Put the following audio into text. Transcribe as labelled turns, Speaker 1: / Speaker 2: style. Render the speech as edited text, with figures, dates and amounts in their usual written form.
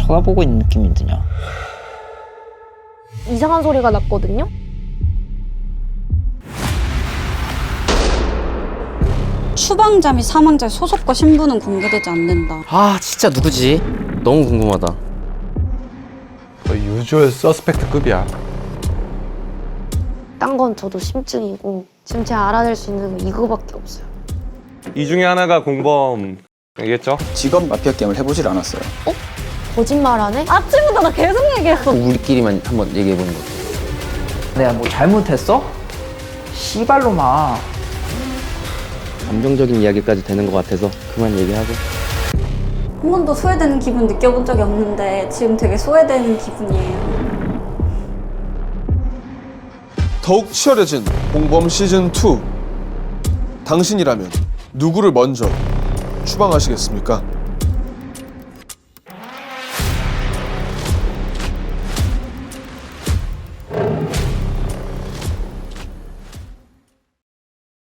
Speaker 1: 쳐다보고 있는 느낌이 드냐?
Speaker 2: 이상한 소리가 났거든요?
Speaker 3: 추방자 및 사망자의 소속과 신분은 공개되지 않는다.
Speaker 4: 아 진짜 누구지? 너무 궁금하다.
Speaker 5: 거의 유주얼 서스펙트급이야.
Speaker 2: 딴 건 저도 심증이고 지금 제가 알아낼 수 있는 건 이거밖에 없어요.
Speaker 6: 이 중에 하나가 공범이겠죠?
Speaker 7: 직업 마피아 게임을 해보질 않았어요.
Speaker 2: 거짓말하네?
Speaker 3: 아침부터 나 계속 얘기했어.
Speaker 4: 우리끼리만 한번 얘기해보는 거.
Speaker 1: 내가 뭐 잘못했어? 씨발로마.
Speaker 4: 감정적인 이야기까지 되는 것 같아서 그만 얘기하고.
Speaker 3: 한 번도 소외되는 기분 느껴본 적이 없는데 지금 되게 소외되는 기분이에요.
Speaker 8: 더욱 치열해진 공범 시즌2. 당신이라면 누구를 먼저 추방하시겠습니까?